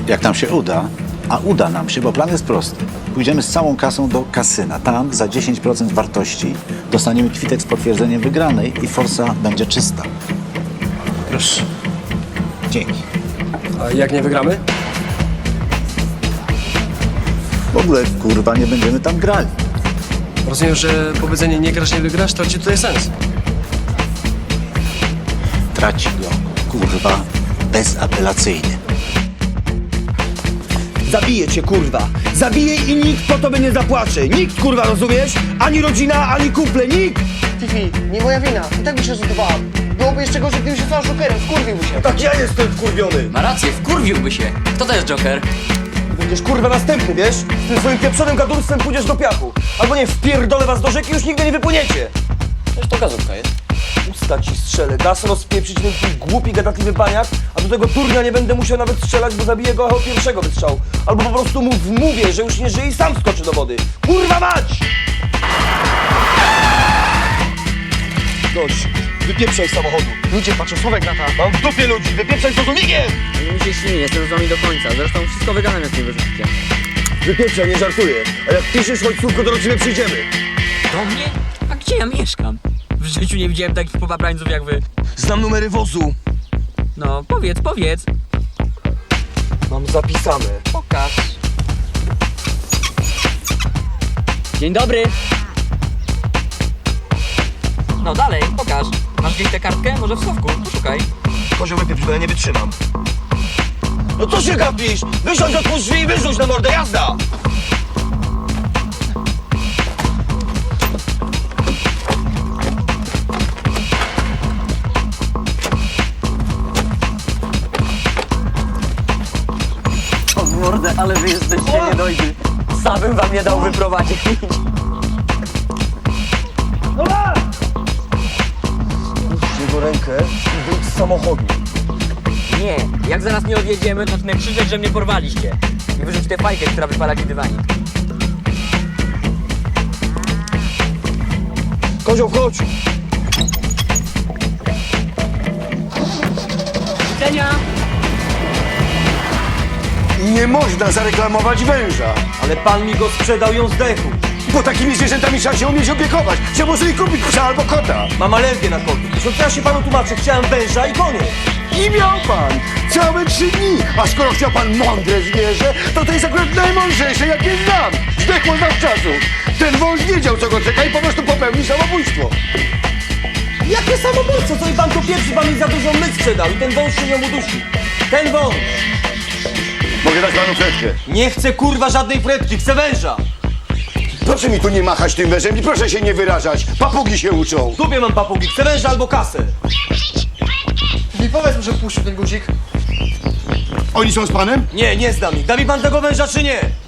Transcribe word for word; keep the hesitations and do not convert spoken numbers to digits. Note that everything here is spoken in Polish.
Jak nam się uda, a uda nam się, bo plan jest prosty. Pójdziemy z całą kasą do kasyna. Tam za dziesięć procent wartości dostaniemy kwitek z potwierdzeniem wygranej i forsa będzie czysta. Proszę. Dzięki. A jak nie wygramy? W ogóle, kurwa, nie będziemy tam grali. Rozumiem, że powiedzenie nie grasz, nie wygrasz traci tutaj sens. Traci go, kurwa, bezapelacyjnie. Zabiję cię, kurwa. Zabiję i nikt po tobie nie zapłacze. Nikt, kurwa, rozumiesz? Ani rodzina, ani kumple, nikt! Fifi, nie moja wina. I tak by się rzutowała. Byłoby jeszcze gorzej, gdybym się stał szokerem. Skurwiłby się. Tak ja jestem wkurwiony. Ma rację, wkurwiłby się. Kto to jest Joker? Będziesz, kurwa, następny, wiesz? Z tym swoim pieprzonym gadurstwem pójdziesz do piachu. Albo nie, wpierdolę was do rzeki i już nigdy nie wypłyniecie. Przecież to gazówka jest. Usta ci strzelę, dasz rozpieprzyć ten twój głupi, gadatliwy baniak, a do tego turnia nie będę musiał nawet strzelać, bo zabiję go od pierwszego wystrzału. Albo po prostu mu wmówię, że już nie żyje i sam skoczy do wody. Kurwa mać! Dość, wypieprzaj z samochodu. Ludzie patrzą, Słowek na ta. Mam w dupie ludzi, wypieprzaj z rozumigiem! Mi się śni, jestem z wami do końca. Zresztą wszystko wygadam, jak nie wyrzucicie. Wypieprzaj, nie żartuję. A jak piszesz, chodź słówko, to do ciebie przyjdziemy. Do mnie? A gdzie ja mieszkam? W życiu nie widziałem takich popaprańców jak wy. Znam numery wozu. No, powiedz, powiedz. Mam zapisane. Pokaż. Dzień dobry. No dalej, pokaż. Masz gdzieś tę kartkę? Może w schowku? Poszukaj. Kozioł, wypieprz, bo ja nie wytrzymam. No co się gapisz? Wysiądź, otwórz drzwi i wyrzuć na mordę, jazda! O mordę, ale wy jesteście niedojrzy. Sam bym wam nie dał wyprowadzić. No masz! Puść jego rękę i wyjdź z samochodu. Nie, jak zaraz nie odjedziemy, to zacznę krzyczeć, że mnie porwaliście. I wyrzuć tę fajkę, która wypala ci dywanik. Kozioł, chodź! Widzenia! Nie można zareklamować węża. Ale pan mi go sprzedał, ją zdechł. Bo takimi zwierzętami trzeba się umieć opiekować. Się może i kupić psa albo kota. Mam alergię na koty. Zresztą co ja się panu tłumaczę? Chciałem węża i koniec. I miał pan całe trzy dni. A skoro chciał pan mądre zwierzę, to to jest akurat najmądrzejsze, jakie znam. Zdechło zawczasu. Ten wąż wiedział, co go czeka i po prostu popełnił samobójstwo. Jakie samobójstwo? Co i pan tu pierwszy, pan mi za dużo my sprzedał i ten wąż się nią udusi. Ten wąż. Mogę dać panu fretkę. Nie chcę kurwa żadnej fretki, chcę węża. Proszę mi tu nie machać tym wężem i proszę się nie wyrażać. Papugi się uczą. W dupie mam papugi, chcę węża albo kasę. Fifi, powiedz mu, że puścił ten guzik. Oni są z panem? Nie, nie znam ich. Da mi pan tego węża czy nie?